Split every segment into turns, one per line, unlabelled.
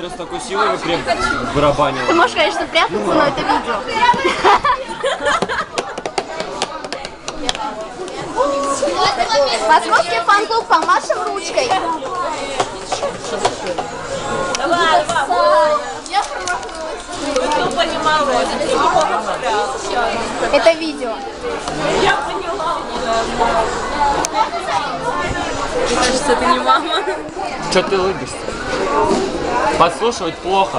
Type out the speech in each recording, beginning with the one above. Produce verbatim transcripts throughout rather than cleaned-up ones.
раз такой силой вы креп барабанил.
Ты можешь, конечно, прятаться, но это видео. Московский фан-клуб, помашем ручкой.
Давай, давай. Кто понимал,
Это видео.
я поняла. Мне кажется, это не мама.
Че ты улыбишься? Подслушивать плохо.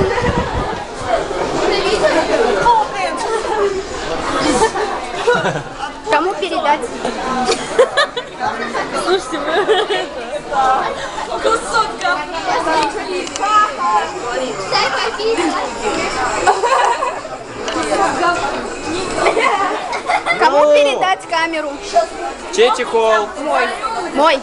Кому передать?
Слушайте, вы кусок
Кому передать камеру?
Чей чехол?
Мой. Мой.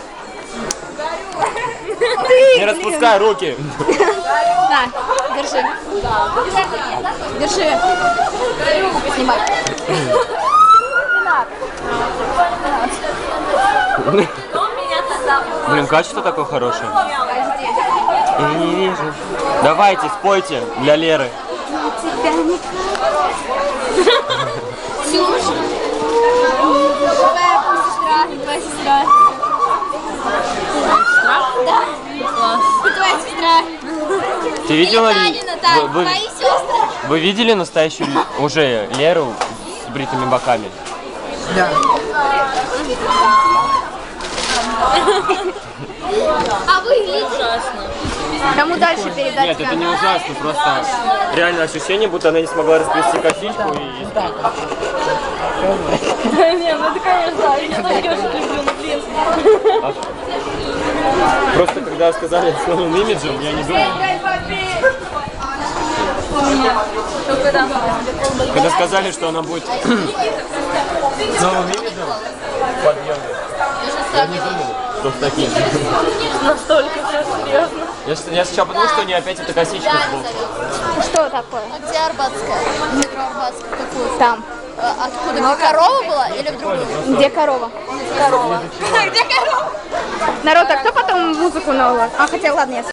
Не распускай руки.
На, держи. Держи. Снимай.
Блин, качество такое хорошее. Я не вижу. Давайте, спойте для Леры.
Ксюша. Твоя сестра. Твоя сестра. Да. Твоя сестра.
Ты видела?
Танина, так,
Вы, вы,
твои сестры.
вы видели настоящую уже Леру с бритыми боками?
Да.
А вы видите? Кому дальше передать?
Нет, это не ужасно, просто реально ощущение, будто она не смогла расплести косичку и...
Не, ну это, конечно, я тоже люблю, но блин.
Просто когда сказали с новым имиджем, я не думал. Когда сказали, что она будет с новым имиджем, подъемным, я не думал, что с таким.
Настолько все серьезно.
Я, с- я сначала подумал, что у нее опять эта косичка сбоку.
Что такое?
А где Арбатская? Метро Арбатская. Какую?
Там.
А, откуда? Где корова была или в другую?
Где корова?
Корова. Где корова?
Народ, а кто потом музыку наложит? А, хотя ладно, я